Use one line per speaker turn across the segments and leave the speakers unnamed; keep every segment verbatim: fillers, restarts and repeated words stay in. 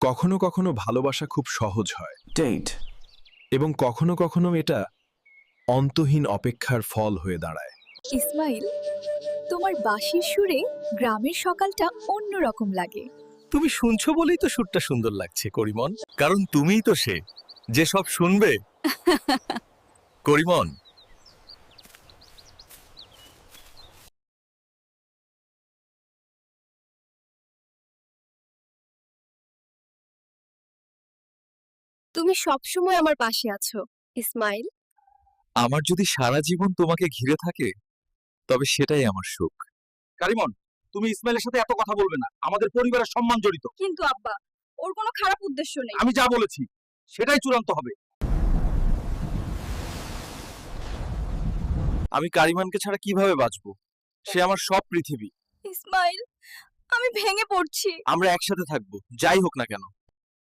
কখনো কখনো ভালোবাসা খুব সহজ হয়
Date.
এবং কখনো কখনো এটা অন্তহীন অপেক্ষার ফল হয়ে দাঁড়ায়।
ইসমাইল, তোমার বাঁশির সুরে গ্রামের সকালটা অন্যরকম লাগে।
তুমি শুনছো বলেই তো সুরটা সুন্দর লাগছে করিমন, কারণ তুমিই তো সে যে সব শুনবে। করিমন,
তুমি সবসময় আমার পাশে আছো ইসমাইল।
আমার যদি সারা জীবন তোমাকে ঘিরে থাকে তবে সেটাই আমার সুখ।
কারিমন, তুমি ইসমাইলের সাথে এত কথা বলবে না, আমাদের পরিবারের সম্মান জড়িত।
কিন্তু আব্বা, ওর কোনো খারাপ উদ্দেশ্য নেই।
আমি যা বলেছি সেটাই চূড়ান্ত হবে।
আমি কারিমানকে ছাড়া কিভাবে বাঁচবো? সে আমার সব পৃথিবী।
ইসমাইল, আমি ভেঙে পড়ছি।
আমরা একসাথে থাকবো, যাই হোক না কেন।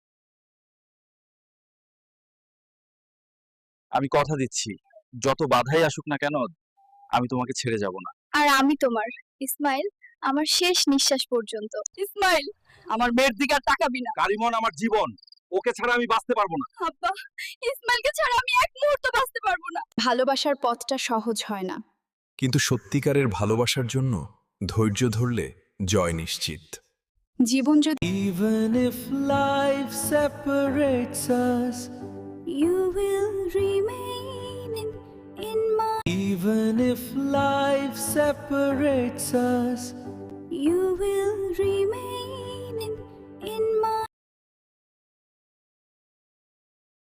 আমি কথা দিচ্ছি, যত বাধাই আসুক না কেন আমি তোমাকে ছেড়ে যাব না।
আর আমি তোমার, ইসমাইল, আমার শেষ নিঃশ্বাস পর্যন্ত। ইসমাইল, আমার মেয়ের দিকে আর তাকাবি না।
কারিমন আমার জীবন, ওকে ছাড়া আমি বাঁচতে পারবো না।
আব্বা, ইসমাইলকে ছাড়া আমি এক মুহূর্ত বাঁচতে পারবো না। ভালোবাসার পথটা সহজ হয় না।
কিন্তু সত্যিকারের ভালোবাসার জন্য ধৈর্য ধরলে জয় নিশ্চিত।
জীবন যদি
Even if life separates us,
you will remain in, in my
even if life separates us,